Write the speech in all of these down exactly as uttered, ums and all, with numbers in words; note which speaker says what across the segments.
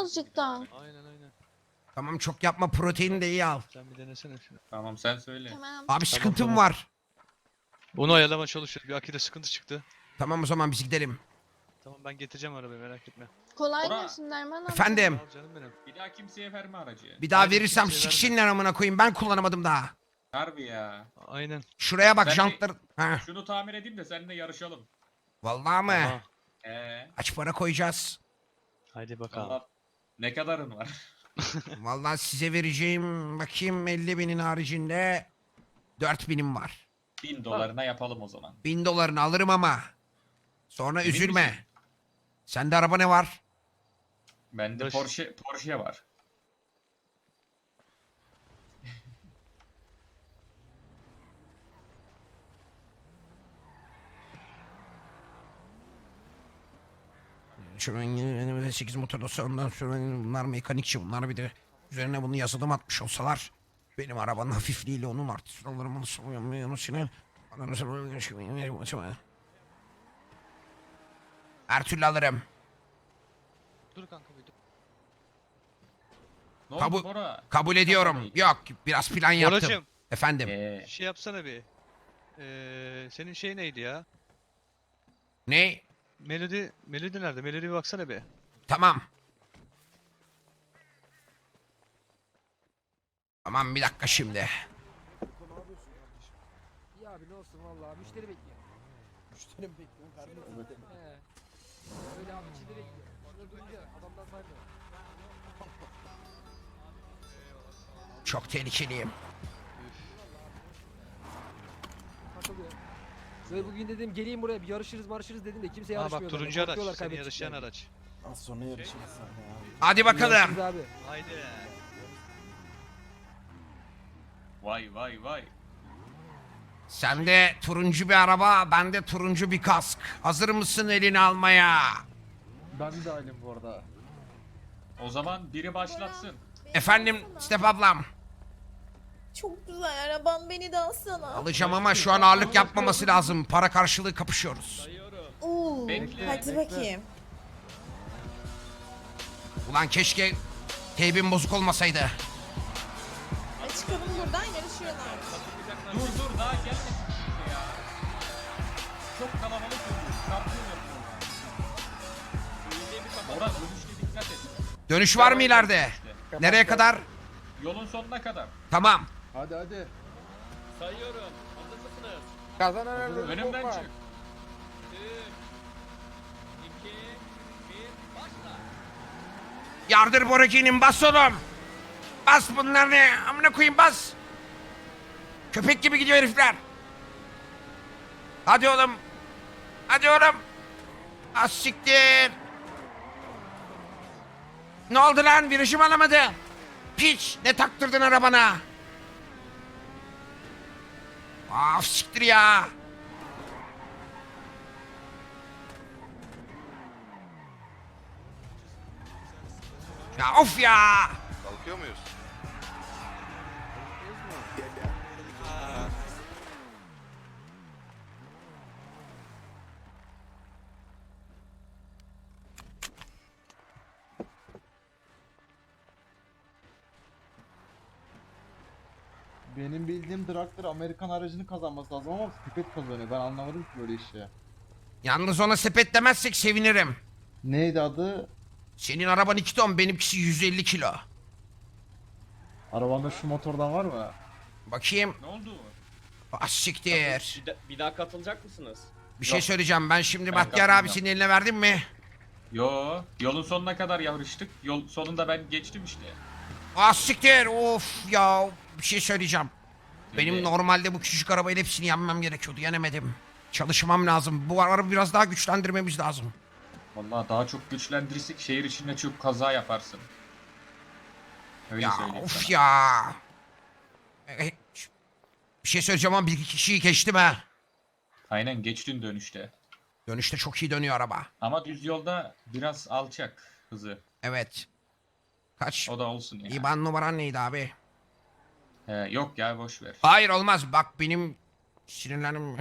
Speaker 1: azıcık daha.
Speaker 2: Aynen aynen.
Speaker 3: Tamam çok yapma, protein de iyi al.
Speaker 2: Sen bir denesene şunu.
Speaker 4: Tamam sen söyle.
Speaker 1: Tamam.
Speaker 3: Abi sıkıntım
Speaker 2: tamam.
Speaker 3: var.
Speaker 2: Onu ayarlama çalışıyoruz. Bir Akide sıkıntı çıktı.
Speaker 3: Tamam o zaman biz gidelim.
Speaker 2: Tamam ben getireceğim arabayı merak etme.
Speaker 1: Kolay
Speaker 4: Ora-
Speaker 1: gelsin Derman amca.
Speaker 3: Efendim
Speaker 2: Al canım benim.
Speaker 4: Bir daha kimseye verme aracı.
Speaker 3: bir daha
Speaker 2: Aynen,
Speaker 3: verirsem
Speaker 2: kimseye verme.
Speaker 3: siksinler amına koyayım, ben kullanamadım daha.
Speaker 4: Harbi ya.
Speaker 2: Aynen.
Speaker 3: Şuraya bak
Speaker 4: Ben de-
Speaker 3: jantlar. Ha.
Speaker 4: Şunu tamir edeyim de seninle yarışalım.
Speaker 3: Vallahi mı?
Speaker 2: Aha.
Speaker 4: Ee,
Speaker 3: Kaç para koyacağız?
Speaker 2: Haydi bakalım.
Speaker 4: Allah ne kadarın var?
Speaker 3: Vallahi size vereceğim bakayım elli binin haricinde dört binim var.
Speaker 4: Bin dolarına yapalım o zaman.
Speaker 3: Bin dolarını alırım ama. Sonra
Speaker 4: Emin
Speaker 3: üzülme.
Speaker 4: misin?
Speaker 3: Sende araba ne var?
Speaker 4: Bende
Speaker 2: Dur.
Speaker 4: Porsche Porsche var.
Speaker 3: Şurada sekiz motor olsa ondan sonra bunlar mekanikçi, bunlar bir de üzerine bunu yazılım atmış olsalar benim arabanın hafifliğiyle onun artı alırım her türlü alırım.
Speaker 2: Dur kanka bir dur.
Speaker 4: Ne
Speaker 3: Kabul-
Speaker 4: oldu Bora?
Speaker 3: Kabul ediyorum. Yok biraz plan yaptım.
Speaker 2: Boracığım
Speaker 3: Efendim.
Speaker 4: Ee,
Speaker 2: şey yapsana bir. Ee, senin şey neydi ya?
Speaker 3: Ne?
Speaker 2: Melodi, Melodi nerede? Melodi bir baksana bir.
Speaker 3: Tamam. Tamam bir dakika şimdi.
Speaker 5: Ne yapıyorsun kardeşim? İyi abi ne olsun vallahi müşteri bekliyor. Müşteri mi bekliyor? Kardeşim. He. Öyle abi içinde bekliyor. Şurada duyunca adamdan saymıyor.
Speaker 3: Çok tehlikeliyim.
Speaker 5: Takılıyor. Şöyle bugün dedim geleyim buraya bir yarışırız marşırız dedim de kimse
Speaker 2: Aa
Speaker 5: yarışmıyor.
Speaker 2: bak
Speaker 5: benimle.
Speaker 2: turuncu araç.
Speaker 5: Korkuyorlar
Speaker 2: Senin
Speaker 5: kaybedeceklerini.
Speaker 2: yarışan araç.
Speaker 6: Az sonra yarışırız sen ya.
Speaker 3: Hadi bakalım.
Speaker 5: Yarışırız abi.
Speaker 2: Haydi.
Speaker 4: vay vay vay.
Speaker 3: Sende turuncu bir araba, bende turuncu bir kask. Hazır mısın elini almaya?
Speaker 6: Ben de ailem bu arada.
Speaker 4: O zaman biri başlatsın.
Speaker 3: Efendim Step ablam.
Speaker 7: Çok güzel araban, beni de alsana.
Speaker 3: Alacağım ama şu an ağırlık yapmaması lazım. Para karşılığı kapışıyoruz.
Speaker 7: Oo,
Speaker 4: Bekle,
Speaker 7: hadi bakayım.
Speaker 3: Ulan keşke teybin bozuk olmasaydı.
Speaker 7: E çıkalım buradan, yarışıyorlar.
Speaker 4: Dur dur daha gelmesin kimse ya. Çok kalabalık olmuş. Çarpıyor yapıyorlar. Bora dönüşte dikkat et.
Speaker 3: Dönüş var mı ileride? Nereye kadar?
Speaker 4: Yolun sonuna kadar.
Speaker 3: Tamam.
Speaker 6: Hadi hadi.
Speaker 5: Kazanan
Speaker 4: Önümden çık.
Speaker 3: Yardır Boraki'nin bas oğlum. Bas bunlar ne? Amına koyayım bas. Köpek gibi gidiyor herifler. Hadi oğlum. Hadi oğlum. Az siktir. Ne oldu lan? Virajım alamadı. Piç. Ne taktırdın arabana? Af siktir ya. Ya of ya.
Speaker 8: Kalkıyor muyuz?
Speaker 6: Benim bildiğim Dragster Amerikan aracını kazanması lazım ama sepet kazanıyor. Ben anlamadım ki böyle işi.
Speaker 3: Yalnız ona sepet demezsek sevinirim.
Speaker 6: Neydi adı?
Speaker 3: Senin araban iki ton, benimkisi yüz elli kilo.
Speaker 6: Arabanda şu motordan var mı?
Speaker 3: Bakayım.
Speaker 4: Ne oldu?
Speaker 3: Az siktir.
Speaker 9: Bir, da- bir daha katılacak mısınız?
Speaker 3: Bir şey söyleyeceğim. Ben şimdi
Speaker 4: Ben
Speaker 3: Bahtiyar
Speaker 4: katılmıyorum.
Speaker 3: abisinin eline verdim mi?
Speaker 4: Yo, yolun sonuna kadar yarıştık. Yol sonunda ben geçtim işte.
Speaker 3: Az siktir. Of ya. Bir şey söyleyeceğim. Benim
Speaker 4: Şimdi-
Speaker 3: normalde bu küçücük arabayla hepsini yenmem gerekiyordu. Yenemedim. Çalışmam lazım. Bu arabayı biraz daha güçlendirmemiz lazım.
Speaker 4: Vallahi daha çok güçlendirirsek şehir içinde çok kaza yaparsın. Öyle
Speaker 3: Ya
Speaker 4: söyleyeyim
Speaker 3: of
Speaker 4: sana.
Speaker 3: ya. E, bir şey söyleyeceğim ama bir iki kişiyi geçtim ha.
Speaker 4: Aynen geçtin dönüşte.
Speaker 3: Dönüşte çok iyi dönüyor araba.
Speaker 4: Ama düz yolda biraz alçak hızı.
Speaker 3: Evet. Kaç?
Speaker 4: O da olsun ya.
Speaker 3: İban numaran neydi abi?
Speaker 4: He, yok ya boş ver.
Speaker 3: Hayır olmaz. Bak benim sinirlerim...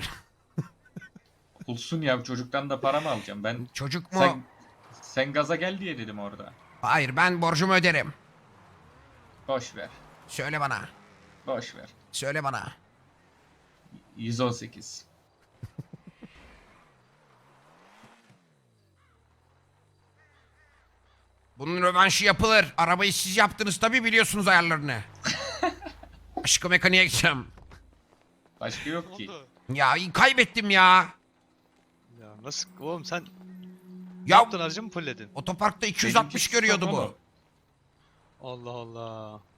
Speaker 4: Olsun ya çocuktan da para mı alacağım ben?
Speaker 3: Çocuk mu?
Speaker 4: Sen sen gaza gel diye dedim orada.
Speaker 3: Hayır, ben borcumu öderim.
Speaker 4: Boş ver.
Speaker 3: Söyle bana.
Speaker 4: Boş ver.
Speaker 3: Söyle bana.
Speaker 4: yüz on sekiz.
Speaker 3: Bunun rövanşı yapılır. Arabayı siz yaptınız tabii, biliyorsunuz ayarlarını. Aşkı mekaniğe gideceğim.
Speaker 4: Başka yok
Speaker 2: Ne
Speaker 4: ki.
Speaker 2: oldu?
Speaker 3: Ya kaybettim ya.
Speaker 2: Ya nasıl oğlum sen ne
Speaker 3: Ya
Speaker 2: yaptın, aracı mı fulledin?
Speaker 3: otoparkta iki yüz altmış
Speaker 4: Benimki
Speaker 3: görüyordu
Speaker 4: stop
Speaker 3: bu.
Speaker 4: oğlum.
Speaker 2: Allah Allah.